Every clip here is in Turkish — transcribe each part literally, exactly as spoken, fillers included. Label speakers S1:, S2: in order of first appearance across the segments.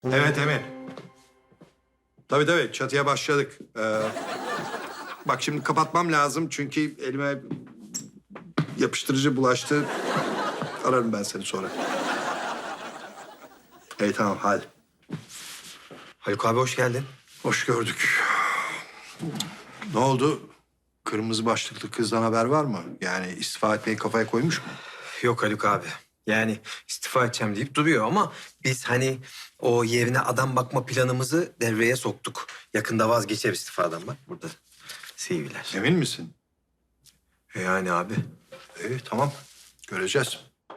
S1: Evet Emin. Tabii tabii çatıya başladık. Ee, bak şimdi kapatmam lazım çünkü elime yapıştırıcı bulaştı. Ararım ben seni sonra. İyi tamam hadi.
S2: Haluk abi hoş geldin.
S1: Hoş gördük. Ne oldu? Kırmızı başlıklı kızdan haber var mı? Yani istifa etmeyi kafaya koymuş mu?
S2: Yok Haluk abi. Yani istifa edeceğim deyip duruyor ama biz hani o yerine adam bakma planımızı devreye soktuk. Yakında vazgeçer istifadan bak burada. C V'ler.
S1: Emin misin?
S2: Yani abi.
S1: İyi tamam. Göreceğiz.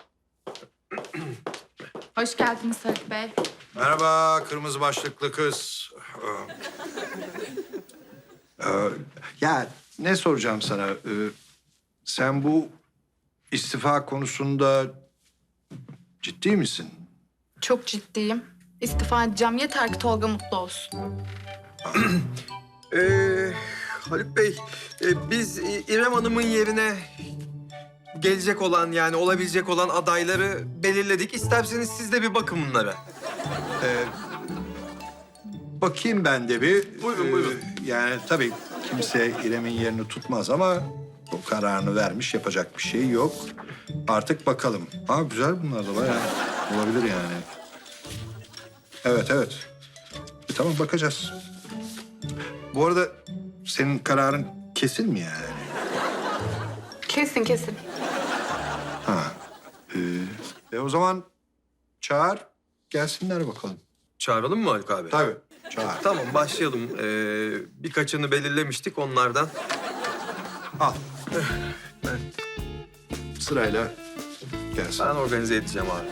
S3: Hoş geldiniz Haluk Bey.
S1: Merhaba kırmızı başlıklı kız. Ee, e, ya ne soracağım sana? Ee, sen bu istifa konusunda ciddi misin?
S3: Çok ciddiyim. İstifa edeceğim. Yeter ki Tolga mutlu olsun.
S2: Ee, Haluk Bey, e, biz İ- İrem Hanım'ın yerine gelecek olan yani olabilecek olan adayları belirledik. İsterseniz siz de bir bakın bunlara.
S1: Ee, bakayım ben de bir.
S2: Buyurun,
S1: Ee,
S2: buyurun.
S1: Yani tabii kimse İrem'in yerini tutmaz ama o kararını vermiş, yapacak bir şey yok. Artık bakalım. Aa güzel bunlar da bayağı olabilir yani. Evet, evet. E, tamam bakacağız. Bu arada senin kararın kesin mi yani?
S3: Kesin kesin.
S1: Ha. Ee, e o zaman çağır, gelsinler bakalım.
S2: Çağıralım mı Haluk abi?
S1: Tabii, çağır.
S2: Tamam başlayalım. Ee, birkaçını belirlemiştik onlardan.
S1: Al. Sırayla gelsin.
S2: Ben organize edeceğim abi.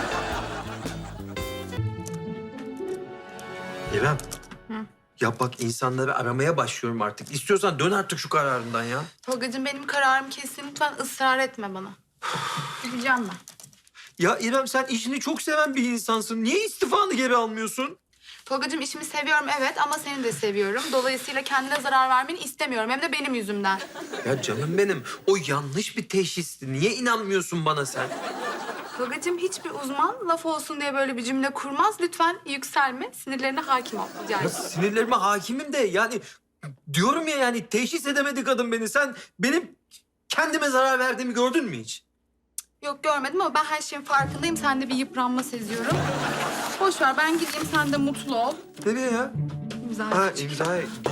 S2: İrem. Ya bak insanları aramaya başlıyorum artık. İstiyorsan dön artık şu kararından ya.
S3: Tolgacığım benim kararım kesin. Lütfen ısrar etme bana. Gideceğim ben.
S2: Ya İrem sen işini çok seven bir insansın. Niye istifanı geri almıyorsun?
S3: Tolgacığım işimi seviyorum evet ama seni de seviyorum. Dolayısıyla kendine zarar vermeni istemiyorum. Hem de benim yüzümden.
S2: Ya canım benim o yanlış bir teşhisti. Niye inanmıyorsun bana sen?
S3: Tolgacığım hiçbir uzman laf olsun diye böyle bir cümle kurmaz. Lütfen yükselme. Sinirlerine hakim ol. Rica
S2: Ya
S3: ederim.
S2: sinirlerime hakimim de yani diyorum ya yani teşhis edemedi kadın beni. Sen benim kendime zarar verdiğimi gördün mü hiç?
S3: Yok görmedim ama ben her şeyin farkındayım. Sende bir yıpranma seziyorum. Boş ver ben gideyim sen de mutlu ol.
S2: Tabii ya.
S3: İmza
S2: Ha
S3: atacağım.
S2: imza.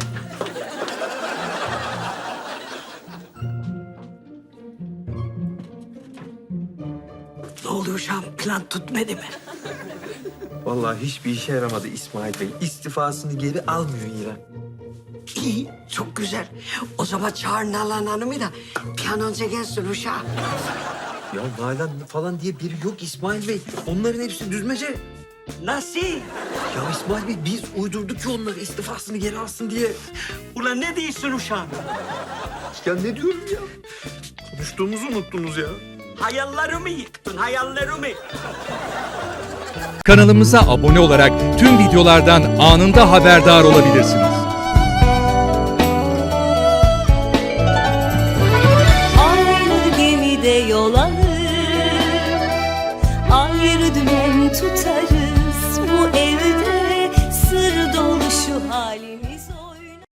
S4: Ne oluyor şu an? Plan tutmadı mı?
S2: Vallahi hiçbir işe yaramadı İsmail Bey. İstifasını geri almıyor İrem.
S4: İyi, çok güzel. O zaman çağır Nalan Hanım'ı da bir an önce gelsin uşağı.
S2: Ya Nalan falan diye biri yok İsmail Bey. Onların hepsi düzmece.
S4: Nasıl?
S2: Ya İsmail Bey biz uydurduk ki onları istifasını geri alsın diye.
S4: Ulan ne diyorsun uşağım?
S2: Ya ne diyorum ya? Konuştuğumuzu unuttunuz ya.
S4: Hayallerimi yıktın, hayallerimi.
S5: Kanalımıza abone olarak tüm videolardan anında haberdar olabilirsiniz.
S6: Aynı gemide yol alır, ayrı dümen tutar.